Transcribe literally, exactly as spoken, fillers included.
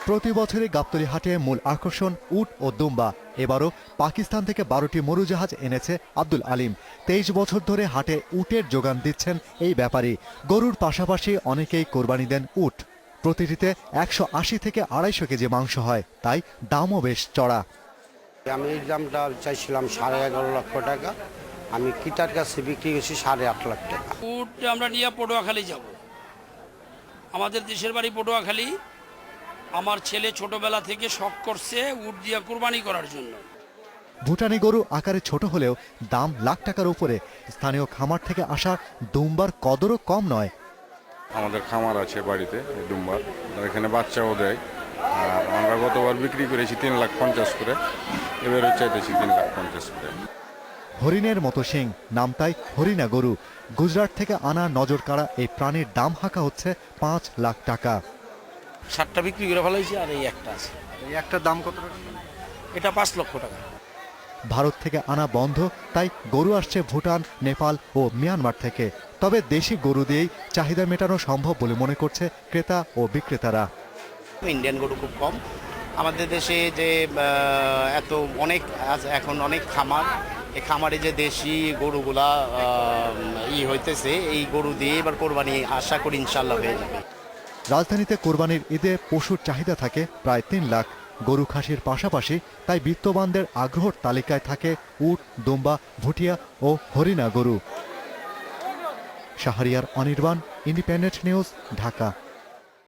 প্রতি বছরই গাবতলী হাটে মূল আকর্ষণ উট ও দুম্বা। এবারও পাকিস্তান থেকে বারোটি মরুজাহাজ এনেছে আব্দুল আলিম। তেইশ বছর ধরে হাটে উটের যোগান দিচ্ছেন এই ব্যাপারী। গরুর পাশাপাশি অনেকেই কোরবানি দেন উট। প্রতিটিতে একশো আশি থেকে আড়াইশো কেজি মাংস হয়, তাই দামও বেশ চড়া। আমি এই দামটা চাইছিলাম সাড়ে এগারো লক্ষ টাকা, আমি কিটার কাছে বিক্রি করছি সাড়ে আট লাখ টাকা। উট আমরা নিয়ে পটুয়াখালী যাব, আমাদের দেশের বাড়ি পটুয়াখালী। আমার ছেলে ছোটবেলা থেকে শখ করছে উট দিয়ে কুরবানি করার জন্য। ভুটানি গরু আকারে ছোট হলেও দাম লাখ টাকার উপরে। স্থানীয় খামার থেকে আসা দুম্বার কদরও কম নয়। আমাদের খামার আছে বাড়িতে দুম্বার, এখানে বাচ্চাও দেয়। আর আমরা গতবার বিক্রি করেছি তিন লাখ পঞ্চাশ করে, এবারও চাইতেছি তিন লাখ পঞ্চাশ করে। হরিণের মতো শিং, নাম তাই হরিণা গরু। গুজরাট থেকে আনা নজর কাড়া এই প্রাণীর দাম হাঁকা হচ্ছে পাঁচ লাখ টাকা। সাতটা বিক্রি করে ফেলাইছি আর এই একটা আছে। এই একটা দাম কত টাকা? এটা পাঁচ লক্ষ টাকা। ভারত থেকে আনা বন্ধ, তাই গরু আসছে ভুটান, নেপাল ও মিয়ানমার থেকে। তবে দেশি গরু দিয়েই চাহিদা মেটানো সম্ভব বলে মনে করছে ক্রেতা ও বিক্রেতারা। ইন্ডিয়ান গরু খুব কম আমাদের দেশে, যে এত অনেক এখন অনেক খামার, এই খামারে যে দেশি গরুগুলা ই হইতেছে, এই গরু দিয়ে এবার কোরবানি আশা করি ইনশাল্লাহ হয়ে যাবে। রাজধানীতে কোরবানির ঈদে পশুর চাহিদা থাকে প্রায় তিন লাখ। গরু খাসির পাশাপাশি তাই বিত্তবানদের আগ্রহর তালিকায় থাকে উট, দুম্বা, ভুটিয়া ও হরিণা গরু। Shahriar Anirban, independent news, Dhaka.